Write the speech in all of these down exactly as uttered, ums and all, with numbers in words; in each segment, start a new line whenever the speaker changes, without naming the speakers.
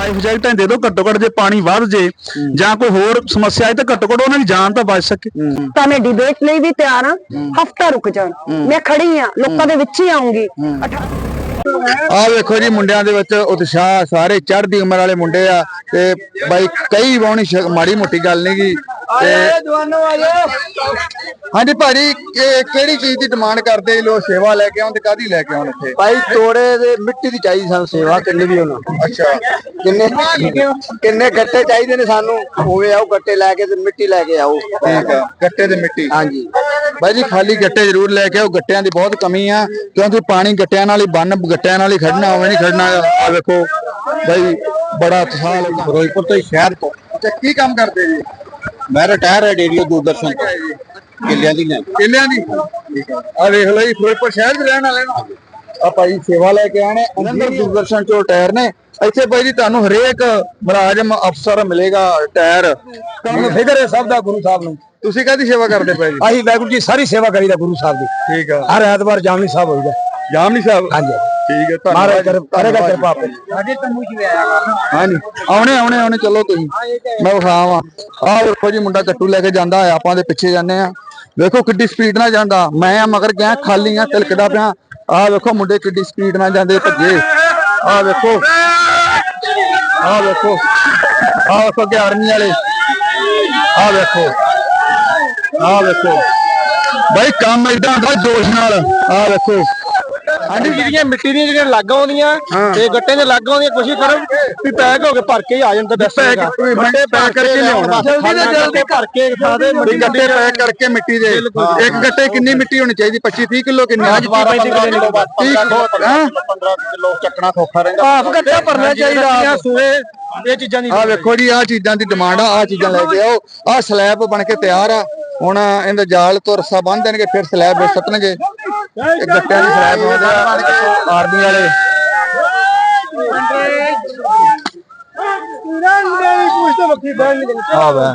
Life ਜੈਕਟਾਂ ਦੇ ਦਿਓ ਘੱਟੋ ਘੱਟ, ਜੇ ਪਾਣੀ ਵੱਧ ਜੇ ਜਾਂ ਕੋਈ ਹੋਰ ਸਮੱਸਿਆ ਆਏ ਤਾਂ ਘੱਟੋ ਘੱਟ ਉਹਨਾਂ ਦੀ ਜਾਨ ਤਾਂ ਬਚ ਸਕੇ।
ਤਾਂ ਮੈਂ ਡਿਬੇਟ ਲਈ ਵੀ ਤਿਆਰ ਹਾਂ, ਹਫਤਾ ਰੁਕ ਜਾਣ, ਮੈਂ ਖੜੀ ਹਾਂ, ਲੋਕਾਂ ਦੇ ਵਿੱਚ ਹੀ ਆਉਂਗੀ।
ਆ ਵੇਖੋ ਜੀ ਮੁੰਡਿਆਂ ਦੇ ਵਿੱਚ ਉਤਸ਼ਾਹ, ਸਾਰੇ ਚੜ੍ਹਦੀ ਉਮਰ ਵਾਲੇ ਮੁੰਡੇ ਆ ਤੇ ਬਾਈ ਕਈ ਵਾਉਣੀ ਮਾੜੀ ਮੋਟੀ ਗੱਲ ਨਹੀਂ ਗੀ। ਹਾਂਜੀ ਭਾਜੀ, ਕਿਹੜੀ ਚੀਜ਼ ਦੀ ਡਿਮਾਂਡ ਕਰਦੇ ਲੋਕ? ਸੇਵਾ ਲੈ ਕੇ ਆਉਣ ਤੇ ਕਾਹਦੀ ਲੈ ਕੇ ਆਉਣ? ਇੱਥੇ
ਭਾਈ ਤੋੜੇ ਦੇ ਮਿੱਟੀ ਦੀ ਚਾਹੀਦੀ ਸਾਨੂੰ ਸੇਵਾ, ਕਿੰਨੀ ਵੀ ਹੋਣਾ।
ਅੱਛਾ,
ਕਿੰਨੇ ਕਿੰਨੇ ਗੱਟੇ ਚਾਹੀਦੇ ਨੇ ਸਾਨੂੰ, ਹੋਵੇ ਆਓ ਗੱਟੇ ਲੈ ਕੇ ਤੇ ਮਿੱਟੀ ਲੈ ਕੇ ਆਓ।
ਠੀਕ ਆ, ਗੱਟੇ ਤੇ ਮਿੱਟੀ।
ਹਾਂਜੀ
ਬਾਈ ਜੀ, ਖਾਲੀ ਗੱਟੇ ਜ਼ਰੂਰ ਲੈ ਕੇ ਆਓ, ਗੱਟਿਆਂ ਦੀ ਬਹੁਤ ਕਮੀ ਆ, ਕਿਉਂਕਿ ਪਾਣੀ ਗੱਟਿਆਂ ਨਾਲ ਹੀ ਬੰਨ, ਗੱਟਿਆਂ ਨਾਲ ਹੀ ਖੜਨਾ, ਹੋਵੇ ਨਹੀਂ ਖੜਨਾ। ਆ ਵੇਖੋ ਬਾਈ, ਬੜਾ ਉਤਸ਼ਾਹ ਲੋਕਾਂ ਫਿਰੋਜ਼ਪੁਰ ਤੋਂ ਸ਼ਹਿਰ ਤੋਂ। ਅੱਛਾ, ਕੀ ਕੰਮ ਕਰਦੇ ਜੀ?
ਮੈਂ ਰਿਟਾਇਰ ਹੈ ਡੇਰੀ ਦੂਰਦਰਸ਼ਨ ਤੋਂ, ਕਿੱਲਿਆਂ ਦੀ
ਕਿੱਲਿਆਂ ਦੀ। ਆ ਵੇਖ ਲਓ ਜੀ, ਫਿਰੋਜ਼ਪੁਰ ਸ਼ਹਿਰ ਦੇ ਰਹਿਣ ਵਾਲੇ ਨੂੰ ਆ ਭਾਈ ਸੇਵਾ ਲੈ ਕੇ ਆਣੇ, ਉਹਨਾਂ ਦੇ ਦੂਰਦਰਸ਼ਨ ਚੋਂ ਟਾਇਰ ਨੇ। ਇੱਥੇ ਭਾਈ ਜੀ ਤੁਹਾਨੂੰ ਹਰੇਕ ਮੁਲਾਜ਼ਮ ਅਫਸਰ ਮਿਲੇਗਾ ਟਾਇਰ, ਤੁਹਾਨੂੰ ਫਿਕਰ ਹੈ ਸਭ ਦਾ ਗੁਰੂ ਸਾਹਿਬ ਨੂੰ। ਤੁਸੀਂ ਕਾਹਦੀ ਸੇਵਾ ਕਰਦੇ ਪਏ ਜੀ?
ਅਸੀਂ ਵਾਹਿਗੁਰੂ ਜੀ ਸਾਰੀ ਸੇਵਾ ਕਰੀਦਾ ਗੁਰੂ ਸਾਹਿਬ ਦੀ।
ਠੀਕ ਆ,
ਹਰ ਐਤਵਾਰ ਜਾਮਨੀ ਸਾਹਿਬ ਹੋਈਦਾ।
ਜਾਮਨੀ ਸਾਹਿਬ?
ਹਾਂਜੀ
ਠੀਕ ਹੈ,
ਧੰਨਵਾਦ। ਕਰੇਗਾ ਕਿਰਪਾ ਆਪੇ।
ਹਾਂਜੀ, ਆਉਣੇ ਆਉਣੇ ਆਉਣੇ ਚਲੋ ਤੁਸੀਂ, ਮੈਂ ਵਿਖਾਵਾਂ। ਆਹ ਵੇਖੋ ਜੀ, ਮੁੰਡਾ ਕੱਟੂ ਲੈ ਕੇ ਜਾਂਦਾ ਹੈ, ਆਪਾਂ ਦੇ ਪਿੱਛੇ ਜਾਂਦੇ ਆ। ਵੇਖੋ ਕਿੱਡੀ ਸਪੀਡ ਨਾਲ ਜਾਂਦਾ, ਮੈਂ ਆ ਮਗਰ ਗਿਆ, ਖਾਲੀ ਆ, ਤਿਲਕਦਾ ਪਿਆ। ਆਹ ਵੇਖੋ ਮੁੰਡੇ ਕਿੱਡੀ ਸਪੀਡ ਨਾਲ ਜਾਂਦੇ ਭੱਜੇ। ਆਹ ਵੇਖੋ, ਆਹ ਵੇਖੋ, ਆਹ ਵੇਖੋ ਅੱਗੇ ਆਰਮੀ ਵਾਲੇ। ਆਹ ਵੇਖੋ, ਆਹ ਵੇਖੋ ਬਾਈ, ਕੰਮ ਏਦਾਂ ਹੁੰਦਾ ਜੋਸ਼ ਨਾਲ। ਆਹ ਵੇਖੋ,
ਹਾਂਜੀ, ਜਿਹੜੀਆਂ ਮਿੱਟੀ ਦੀਆਂ ਜਿਹੜੀਆਂ ਲੱਗ ਆਉਂਦੀਆਂ ਤੇ ਗੱਟੇ ਦੇ ਲੱਗ ਆਉਂਦੀਆਂ, ਕੋਸ਼ਿਸ਼ ਕਰੋ ਵੀ ਪੈਕ ਹੋ ਕੇ ਭਰ ਕੇ ਆ ਜਾਂਦਾ।
ਗੱਟੇ ਪੈਕ ਕਰਕੇ ਲਿਆਉਣਾ,
ਜਲਦੀ ਤੋਂ ਜਲਦੀ ਭਰ ਕੇ ਖਾ ਦੇ।
ਗੱਟੇ ਪੈਕ ਕਰਕੇ ਮਿੱਟੀ ਦੇ। ਇੱਕ ਗੱਟੇ ਕਿੰਨੀ ਮਿੱਟੀ ਹੋਣੀ ਚਾਹੀਦੀ? ਪੱਚੀ ਤੀਹ ਕਿਲੋ ਕਿੰਨੀ?
ਪੰਦਰਾਂ ਕਿਲੋ ਚੱਕਣਾ ਸੌਖਾ ਰਹਿੰਦਾ। ਆਪ ਗੱਟਾ ਭਰਨਾ ਚਾਹੀਦਾ ਸੂਏ। ਇਹ ਚੀਜ਼ਾਂ ਦੀ
ਆ ਵੇਖੋ ਜੀ, ਆ ਚੀਜ਼ਾਂ ਦੀ ਡਿਮਾਂਡ ਆ, ਆ ਚੀਜ਼ਾਂ ਲੈ ਕੇ ਆਓ। ਆ ਸਲੈਬ ਬਣ ਕੇ ਤਿਆਰ ਆ, ਹੁਣ ਇਹਦਾ ਜਾਲ ਤੋਂ ਰੱਸਾ ਬੰਨ ਦੇਣਗੇ, ਫਿਰ ਸਲੈਬ ਵਿੱਚ ਸੱਟਣਗੇ। ਇਹ ਗੱਟਿਆਂ ਦੀ ਸਲੈਬ ਬਣਦੇ ਆ ਆਰਮੀ ਵਾਲੇ। ਆ ਵਾ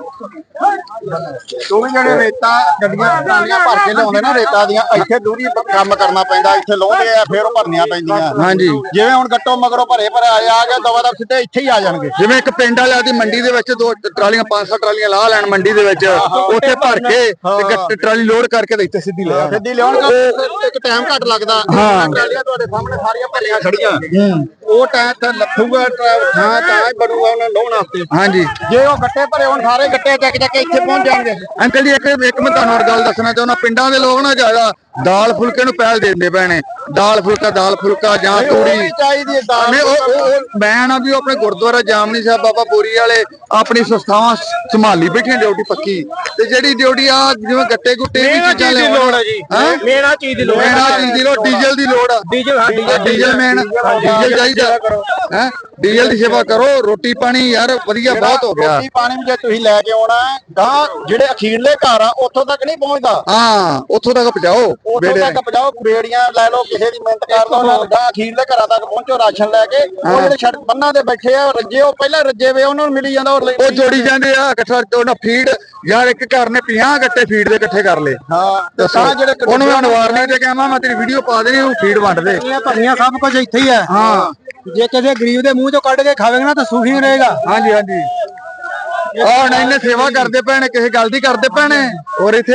ਦੋਵੇਂ ਜਣੇ ਰੇਤਾ ਗੱਡੀਆਂ ਟਰਾਲੀਆਂ ਭਰ ਕੇ ਲਿਆਉਂਦੇ ਨਾ ਰੇਤਾ ਦੀਆਂ, ਇੱਥੇ ਦੂਰੀ ਕੰਮ ਕਰਨਾ ਪੈਂਦਾ, ਇੱਥੇ ਲਾਉਂਦੇ ਆ ਫਿਰ ਉਹ ਭਰਨੀਆਂ ਪੈਂਦੀਆਂ।
ਹਾਂਜੀ,
ਜਿਵੇਂ ਹੁਣ ਗੱਟੋ ਮਗਰੋਂ ਭਰੇ ਭਰੇ ਆਏ ਆ ਗਿਆ, ਦਵਾ ਦਾ ਸਿੱਧੇ ਇੱਥੇ ਹੀ ਆ ਜਾਣਗੇ।
ਜਿਵੇਂ ਇੱਕ ਪਿੰਡ ਵਾਲਿਆਂ ਦੀ ਮੰਡੀ ਦੇ ਵਿੱਚ ਦੋ ਟਰਾਲੀਆਂ ਪੰਜ ਸੌ ਟਰਾਲੀਆਂ ਲਾ ਲੈਣ ਮੰਡੀ ਦੇ ਵਿੱਚ, ਉੱਥੇ ਭਰ ਕੇ ਤੇ ਗੱਟੇ ਟਰਾਲੀ ਲੋਡ ਕਰਕੇ ਤੇ ਇੱਥੇ ਸਿੱਧੀ ਲੈ ਆਉਣ।
ਸਿੱਧੀ ਲਿਆਉਣ ਇੱਕ ਟਾਈਮ ਘੱਟ ਲੱਗਦਾ। ਟਰਾਲੀਆਂ ਤੁਹਾਡੇ ਸਾਹਮਣੇ ਸਾਰੀਆਂ ਭਰੀਆਂ ਖੜੀਆਂ, ਉਹ ਟਾਈਮ ਤੇ ਲੱਥੂਗਾ ਥਾਂ ਤਾਂ ਬਣੂਗਾ ਉਹਨਾਂ ਲਾਉਣ ਵਾਸਤੇ।
ਹਾਂਜੀ,
ਜੇ ਉਹ ਗੱਟੇ ਭਰੇ ਹੁਣ ਸਾਰੇ ਗੱਟੇ ਚੱਕ ਚੱਕ ਕੇ ਇੱਥੇ ਪਹੁੰਚ ਜਾਣਗੇ।
ਅੰਕਲ ਜੀ, ਇੱਕ ਇੱਕ ਮੈਂ ਤੁਹਾਨੂੰ ਹੋਰ ਗੱਲ ਦੱਸਣਾ ਚਾਹੁੰਦਾ, ਪਿੰਡਾਂ ਦੇ ਲੋਕ ਨਾ ਜ਼ਿਆਦਾ ਦਾਲ ਫੁਲਕੇ ਨੂੰ ਪਹਿਲ ਦਿੰਦੇ ਪੈਣੇ। ਦਾਲ ਫੁਲਕਾ ਦਾਲ ਫੁਲਕਾ ਜਾਂ ਤੂੜੀ
ਚਾਹੀਦੀ ਹੈ ਦਾਲ।
ਨਹੀਂ, ਉਹ ਉਹ ਮੈਂ ਨਾ ਵੀ ਆਪਣੇ ਗੁਰਦੁਆਰਾ ਜਾਮਨੀ ਸਾਹਿਬ ਬਾਬਾ ਬੋਰੀ ਵਾਲੇ ਆਪਣੀ ਸੰਸਥਾਵਾਂ ਸੰਭਾਲੀ ਬੈਠੀਆਂ ਡਿਊਟੀ ਪੱਕੀ, ਤੇ ਜਿਹੜੀ ਡਿਊਟੀ ਆ ਜਿਵੇਂ ਗੱਟੇ ਗੁੱਟੇ ਵੀ ਚੀਜ਼ਾਂ
ਦੀ ਲੋੜ ਹੈ ਜੀ। ਮੇਰਾ ਚੀਜ਼ ਦੀ ਲੋੜ ਹੈ,
ਮੇਰਾ ਚੀਜ਼ ਦੀ ਲੋੜ, ਡੀਜ਼ਲ ਦੀ ਲੋੜ ਆ।
ਡੀਜ਼ਲ
ਡੀਜ਼ਲ ਮੈਨ ਡੀਜ਼ਲ ਚਾਹੀਦਾ ਹੈ, ਡੀਜ਼ਲ ਦੀ ਸੇਵਾ ਕਰੋ। ਰੋਟੀ ਪਾਣੀ ਯਾਰ ਵਧੀਆ ਬਹੁਤ ਹੋ ਗਿਆ।
ਰੋਟੀ ਪਾਣੀ ਵੀ ਜੇ ਤੁਸੀਂ ਲੈ ਕੇ ਆਉਣਾ ਗਾਂ, ਜਿਹੜੇ ਅਖੀਰਲੇ ਘਰ ਆ ਉੱਥੋਂ ਤੱਕ ਨਹੀਂ ਪਹੁੰਚਦਾ।
ਹਾਂ, ਉੱਥੋਂ ਤੱਕ ਪਹੁੰਚਾਓ,
ਉੱਥੋਂ ਤੱਕ ਪਹੁੰਚਾਓ। ਬੇੜੀਆਂ ਲੈ ਲਓ, ਕਿਸੇ ਦੀ ਮਿਹਨਤ ਕਰ ਲਓ, ਉਹਨਾਂ ਗਾਂ ਅਖੀਰਲੇ ਘਰਾਂ ਤੱਕ ਪਹੁੰਚੋ ਰਾਸ਼ਨ ਲੈ ਕੇ। ਉਹ ਜਿਹੜੇ ਸੜਕ ਬੰਨਾਂ ਤੇ ਬੈਠੇ ਆ ਰੱਜੇ, ਉਹ ਪਹਿਲਾਂ ਰੱਜੇ ਵੇ, ਉਹਨਾਂ ਨੂੰ ਮਿਲੀ ਜਾਂਦਾ।
ਉਹ ਜੋੜੀ ਜਾਂਦੇ ਆ ਇਕੱਠਾ, ਉਹਨਾਂ ਫੀਡ ਯਾਰ ਇੱਕ ਘਰ ਨੇ ਪੰਜਾਹ ਗੱਟੇ ਫੀਡ ਦੇ ਇਕੱਠੇ ਕਰ ਲਏ।
ਹਾਂ,
ਤੇ ਤਾਂ ਜਿਹੜੇ ਉਹਨੂੰ ਮੈਂ ਵਾਰਨਿੰਗ ਤੇ ਕਹਾਂ, ਮੈਂ ਤੇਰੀ ਵੀਡੀਓ ਪਾ ਦੇਣੀ, ਉਹ ਫੀਡ ਵੰਡ ਦੇ।
ਭਰੀਆਂ ਸਭ ਕੁਝ ਇੱਥੇ ਹੀ ਹੈ।
ਹਾਂ,
ਜੇ ਕਿਸੇ ਗਰੀਬ ਦੇ ਮੂੰਹ ਚੋਂ ਕੱਢ ਕੇ ਖਾਵੇਗਾ ਨਾ ਤਾਂ ਸੁਖੀ ਰਹੇਗਾ।
ਹਾਂਜੀ ਹਾਂਜੀ, ਆਹ ਨਹੀਂ ਨੇ ਸੇਵਾ ਕਰਦੇ ਪੈਣੇ, ਕਿਸੇ ਗੱਲ ਦੀ ਕਰਦੇ ਪੈਣੇ। ਔਰ ਇੱਥੇ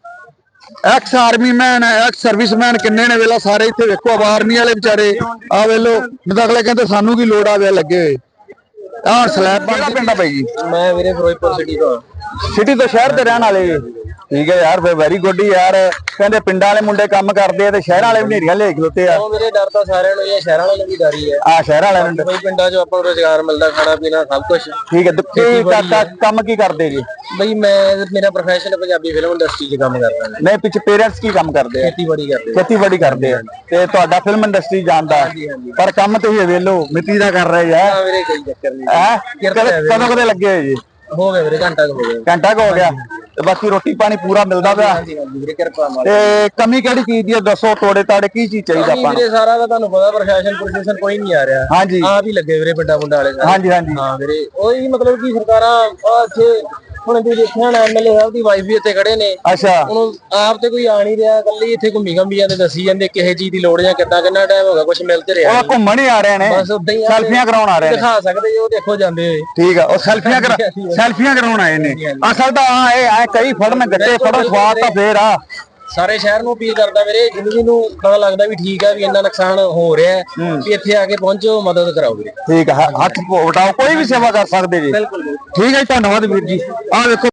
ex army man, ex serviceman ਕਿੰਨੇ ਨੇ ਵੇਲਾ, ਸਾਰੇ ਇੱਥੇ ਵੇਖੋ। ਆਰਮੀ ਵਾਲੇ ਵਿਚਾਰੇ ਆ ਵੇਲੋ, ਅਗਲੇ ਕਹਿੰਦੇ ਸਾਨੂੰ ਕੀ ਲੋੜ ਆਵੇ ਲੱਗੇ ਹੋਏ। ਆਹ ਸਲੈਬ ਕਿਹੜਾ ਪਿੰਡ ਆ ਬਾਈ ਜੀ?
ਮੈਂ ਵੀਰੇ ਫਿਰੋਜ਼ਪੁਰ ਸਿਟੀ ਤੋਂ।
ਸਿਟੀ ਤੋਂ ਸ਼ਹਿਰ ਦੇ ਰਹਿਣ ਵਾਲੇ? ਠੀਕ ਹੈ ਯਾਰ, ਫੇ ਵੈਰੀ ਗੁੱਡ ਯਾਰ। ਕਹਿੰਦੇ ਪਿੰਡਾਂ ਵਾਲੇ ਮੁੰਡੇ ਕੰਮ ਕਰਦੇ ਆ ਤੇ ਸ਼ਹਿਰਾਂ ਵਾਲੇ ਨੇਰੀਆਂ ਲੈ ਖਲੋਤੇ ਆ।
ਉਹ ਮੇਰੇ ਡਰ ਤਾਂ ਸਾਰਿਆਂ ਨੂੰ ਇਹ ਸ਼ਹਿਰਾਂ ਵਾਲਿਆਂ ਨੂੰ ਵੀ ਡਰ ਹੀ ਹੈ।
ਆ ਸ਼ਹਿਰਾਂ ਵਾਲਿਆਂ ਨੂੰ
ਬਈ ਪਿੰਡਾਂ 'ਚ ਆਪਾਂ ਨੂੰ ਰੁਜ਼ਗਾਰ ਮਿਲਦਾ, ਖਾਣਾ ਪੀਣਾ ਸਭ ਕੁਝ
ਠੀਕ ਹੈ। ਕੀ ਕੰਮ ਕੀ ਕਰਦੇ ਜੀ?
ਬਈ ਮੈਂ ਮੇਰਾ ਪ੍ਰੋਫੈਸ਼ਨ ਪੰਜਾਬੀ ਫਿਲਮ ਇੰਡਸਟਰੀ 'ਚ ਕੰਮ ਕਰਦਾ।
ਨਹੀਂ, ਪਿੱਛੇ ਪੇਰੈਂਟਸ ਕੀ ਕੰਮ ਕਰਦੇ ਆ?
ਖੇਤੀਬਾੜੀ ਕਰਦੇ।
ਖੇਤੀਬਾੜੀ ਕਰਦੇ ਆ ਤੇ ਤੁਹਾਡਾ ਫਿਲਮ ਇੰਡਸਟਰੀ ਜਾਂਦਾ, ਪਰ ਕੰਮ ਤੁਸੀਂ ਵੇਲੋ ਮਿੱਟੀ ਦਾ ਕਰ ਰਹੇ ਆ।
ਹਾਂ ਵੀਰੇ, ਕੋਈ ਚੱਕਰ ਨਹੀਂ।
ਹੈ ਕਦੋਂ ਕਦੇ ਲੱਗੇ ਹੋਏ ਜੀ?
ਹੋ ਗਿਆ ਵੀਰੇ, ਘੰਟਾ ਹੋ ਗਿਆ।
ਘੰਟਾ ਹੋ ਗਿਆ ਤੇ ਬਾਕੀ ਰੋਟੀ ਪਾਣੀ ਪੂਰਾ ਮਿਲਦਾ ਪਿਆ?
ਹਾਂਜੀ ਹਾਂਜੀ ਵੀਰੇ, ਕਿਰਪਾ ਨਾਲ।
ਤੇ ਕਮੀ ਕਿਹੜੀ ਚੀਜ਼ ਦੀ ਹੈ ਦੱਸੋ? ਤੋੜੇ ਤਾੜੇ ਕੀ ਚੀਜ਼ ਚਾਹੀਦਾ ਆਪਾਂ ਨੂੰ?
ਵੀਰੇ ਸਾਰਾ ਤਾਂ ਤੁਹਾਨੂੰ ਪਤਾ, ਪ੍ਰਸ਼ਾਸਨ ਪ੍ਰਸ਼ਾਸਨ ਕੋਈ ਨਹੀਂ ਆ ਰਿਹਾ।
ਹਾਂਜੀ,
ਆਪ ਹੀ ਲੱਗੇ ਵੀਰੇ ਪਿੰਡਾਂ ਮੁੰਡਾ ਵਾਲੇ।
ਹਾਂਜੀ ਹਾਂਜੀ,
ਹਾਂ ਵੀਰੇ, ਉਹੀ ਮਤਲਬ ਕਿ ਸਰਕਾਰਾਂ ਇੱਥੇ
ਹੁਣ ਤੁਸੀਂ ਦੇਖਿਆ ਨਾ ਐਮਐਲਏ ਸਾਹਿਬ ਦੀ ਵਾਈਫ ਵੀ ਇੱਥੇ ਖੜੇ ਨੇ।
ਅੱਛਾ
ਉਹਨੂੰ ਆਪ ਤੇ ਕੋਈ ਆ ਨਹੀਂ ਰਿਹਾ, ਇਕੱਲੀ ਇੱਥੇ ਘੁੰਮੀ ਘੰਮੀ ਜਾਂਦੇ, ਦੱਸੀ ਜਾਂਦੇ ਕਿਸੇ ਚੀਜ਼ ਦੀ ਲੋੜ ਜਾਂ ਕਿੱਦਾਂ, ਕਿੰਨਾ ਟਾਈਮ ਹੋ ਗਿਆ ਕੁਝ ਮਿਲ ਤੇ ਰਿਹਾ
ਉਹ ਘੁੰਮਣ ਹੀ ਆ ਰਹੇ ਨੇ,
ਬਸ ਉਦਾਂ ਹੀ
ਸੈਲਫੀਆਂ ਕਰਾਉਣ ਆ ਰਹੇ ਨੇ।
ਦਿਖਾ ਸਕਦੇ ਹੋ, ਦੇਖੋ ਜਾਂਦੇ ਹੋਏ।
ਠੀਕ ਆ, ਉਹ ਸੈਲਫੀਆਂ ਕਰਾ ਸੈਲਫੀਆਂ ਕਰਾਉਣ ਆਏ ਨੇ। ਅਸਲ ਤਾਂ ਆ ਇਹ ਐ ਕਈ ਫੜਨ ਗੱਟੇ ਫੜੋ ਸਵਾਦ ਤਾਂ ਫੇਰ ਆ।
ਸਾਰੇ ਸ਼ਹਿਰ ਨੂੰ ਅਪੀਲ ਕਰਦਾ ਵੀਰੇ, ਜਿੰਦਗੀ ਨੂੰ ਪਤਾ ਲੱਗਦਾ ਵੀ ਠੀਕ ਆ ਵੀ ਇੰਨਾ ਨੁਕਸਾਨ ਹੋ ਰਿਹਾ ਹੈ, ਵੀ ਇੱਥੇ ਆ ਕੇ ਪਹੁੰਚੋ, ਮਦਦ ਕਰਾਓ ਵੀਰੇ।
ਠੀਕ ਆ, ਹੱਥ ਵਟਾਓ, ਕੋਈ ਵੀ ਸੇਵਾ ਕਰ ਸਕਦੇ ਜੀ।
ਬਿਲਕੁਲ
ਠੀਕ ਹੈ ਜੀ, ਧੰਨਵਾਦ ਵੀਰ ਜੀ। ਆਹ ਵੇਖੋ